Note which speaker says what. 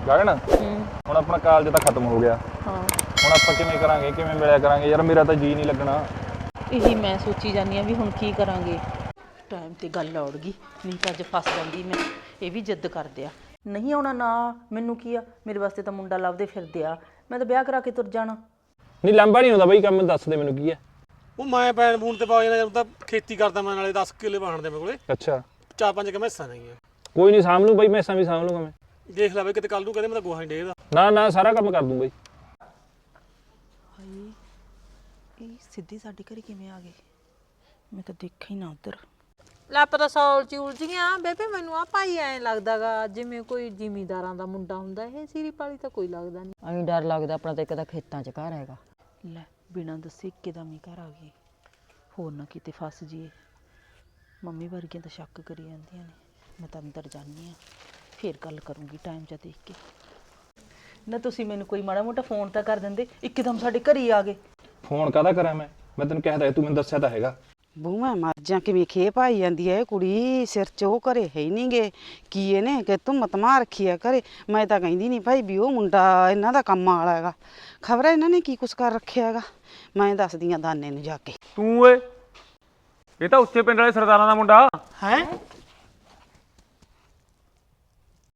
Speaker 1: ਗਗਨ ਹੁਣ ਆਪਣਾ ਕਾਲਜ ਤਾਂ ਖਤਮ ਹੋ ਗਿਆ।
Speaker 2: ਹਾਂ
Speaker 1: ਹੁਣ ਆਪਾਂ ਕਿਵੇਂ ਕਰਾਂਗੇ, ਕਿਵੇਂ ਮਿਲਿਆ ਕਰਾਂਗੇ ਯਾਰ, ਮੇਰਾ ਤਾਂ ਜੀ ਨਹੀਂ ਲੱਗਣਾ।
Speaker 2: ਇਹੀ ਮੈਂ ਸੋਚੀ ਜਾਂਦੀ ਆ ਵੀ ਹੁਣ ਕੀ ਕਰਾਂਗੇ। ਟਾਈਮ ਤੇ ਗੱਲ ਔੜ ਗਈ, ਨਹੀਂ ਤਾਂ ਅੱਜ ਫਸ ਜਾਂਦੀ ਮੈਂ। ਇਹ ਵੀ ਜਿੱਦ ਕਰਦੇ ਆ ਨਹੀਂ ਆਉਣਾ ਨਾ, ਮੈਨੂੰ ਕੀ ਆ, ਮੇਰੇ ਵਾਸਤੇ ਤਾਂ ਮੁੰਡਾ ਲੱਭਦੇ ਫਿਰਦੇ ਆ, ਮੈਂ ਤਾਂ ਵਿਆਹ ਕਰਾ ਕੇ ਤੁਰ ਜਾਣਾ।
Speaker 1: ਨਹੀਂ ਲਾਂਭਾ ਨਹੀਂ ਹੁੰਦਾ ਬਾਈ ਕੰਮ, ਦੱਸ ਦੇ ਮੈਨੂੰ ਕੀ ਹੈ।
Speaker 3: ਉਹ ਮੈਂ ਪੈਣ ਪੂਣ ਤੇ ਪਾ ਜਾਣਾ, ਤਾਂ ਖੇਤੀ ਕਰਦਾ ਮੈਂ, ਨਾਲੇ 10 ਕਿੱਲੇ ਵਾਹਣ ਦੇ ਮੇਰੇ ਕੋਲੇ।
Speaker 1: ਅੱਛਾ
Speaker 3: 4-5 ਮੈਸਾਂ ਨੇਗੀਆਂ।
Speaker 1: ਕੋਈ ਨਹੀਂ ਸਾਂਭ ਲੂ ਬਾਈ, ਮੈਸਾਂ ਵੀ ਸਾਂਭ ਲੂਗਾ ਮੈਂ।
Speaker 3: ਦੇਖ ਲੈ ਬਈ ਕਿਤੇ ਕੱਲ ਨੂੰ ਕਹਿੰਦੇ ਮੈਂ ਤਾਂ ਗੋਹਾ ਨਹੀਂ ਡੇਗਦਾ।
Speaker 1: ਨਾ ਨਾ ਸਾਰਾ ਕੰਮ ਕਰ ਦੂੰ ਬਾਈ।
Speaker 2: ਹਾਏ ਇਹ ਸਿੱਧੀ ਸਾਡੇ ਘਰੇ ਕਿਵੇਂ ਆ ਗਏ, ਮੈਂ ਤਾਂ ਦੇਖਿਆ ਹੀ ਨਾ ਉੱਧਰ।
Speaker 4: ਲੱਪ ਤਾਂ ਸੌਲ ਚ ਉਲਝੀਆਂ ਬੇਬੇ, ਮੈਨੂੰ ਆ ਭਾਈ ਐਂ ਲੱਗਦਾਗਾ ਜਿਵੇਂ ਕੋਈ ਜ਼ਿਮੀਂਦਾਰਾਂ ਦਾ ਮੁੰਡਾ ਹੁੰਦਾ। ਇਹ ਸੀਰੀ ਪਾਲੀ ਤਾਂ ਕੋਈ ਲੱਗਦਾ ਨਹੀਂ।
Speaker 5: ਐਂ ਡਰ ਲੱਗਦਾ, ਆਪਣਾ ਤਾਂ ਇੱਕ ਤਾਂ ਖੇਤਾਂ 'ਚ ਘਰ ਹੈਗਾ।
Speaker 2: ਲੈ ਬਿਨਾਂ ਦੱਸੇ ਇੱਕਦਮ ਹੀ ਘਰ ਆ ਗਏ, ਹੋਰ ਨਾ ਕਿਤੇ ਫਸ ਜੀਏ। ਮੰਮੀ ਵਰਗੀਆਂ ਤਾਂ ਸ਼ੱਕ ਕਰੀ ਜਾਂਦੀਆਂ ਨੇ। ਮੈਂ ਤਾਂ ਅੰਦਰ ਜਾਂਦੀ ਹਾਂ, ਫੇਰ ਗੱਲ ਕਰੂੰਗੀ ਟਾਈਮ ਜਾ ਦੇਖ ਕੇ। ਨਾ ਤੁਸੀਂ ਮੈਨੂੰ ਕੋਈ ਮਾੜਾ ਮੋਟਾ ਫੋਨ ਤਾਂ ਕਰ ਦਿੰਦੇ, ਇੱਕਦਮ ਸਾਡੇ ਘਰ ਹੀ ਆ ਗਏ।
Speaker 1: ਫੋਨ ਕਾਹਦਾ ਕਰਾਂ ਮੈਂ ਤੈਨੂੰ ਕਹਿਦਾ ਤੂੰ ਮੈਨੂੰ ਦੱਸਿਆ ਤਾਂ ਹੈਗਾ।
Speaker 6: ਬੂ ਮੈਂ ਮਰ ਜਾ, ਕਿਵੇਂ ਖੇਪ ਆਈ ਜਾਂਦੀ ਹੈ ਇਹ ਕੁੜੀ। ਸਿਰ 'ਚ ਉਹ ਘਰੇ ਹੈ ਹੀ ਨਹੀਂ ਗੇ, ਕੀ ਇਹਨੇ ਕਿ ਤੂੰ ਮਤਮਾ ਰੱਖੀ ਆ ਘਰੇ। ਮੈਂ ਤਾਂ ਕਹਿੰਦੀ ਨਹੀਂ ਭਾਈ ਵੀ ਉਹ ਮੁੰਡਾ ਇਹਨਾਂ ਦਾ ਕੰਮ ਵਾਲਾ ਹੈਗਾ, ਖਬਰ ਹੈ ਇਹਨਾਂ ਨੇ ਕੀ ਕੁਛ ਕਰ ਰੱਖਿਆ ਹੈਗਾ। ਮੈਂ ਦੱਸਦੀ ਆ ਦਾਨੇ ਨੂੰ ਜਾ ਕੇ।
Speaker 7: ਤੂੰ ਓਏ, ਇਹ ਤਾਂ ਉੱਚੇ ਪਿੰਡ ਵਾਲੇ ਸਰਦਾਰਾਂ ਦਾ ਮੁੰਡਾ
Speaker 6: ਹੈ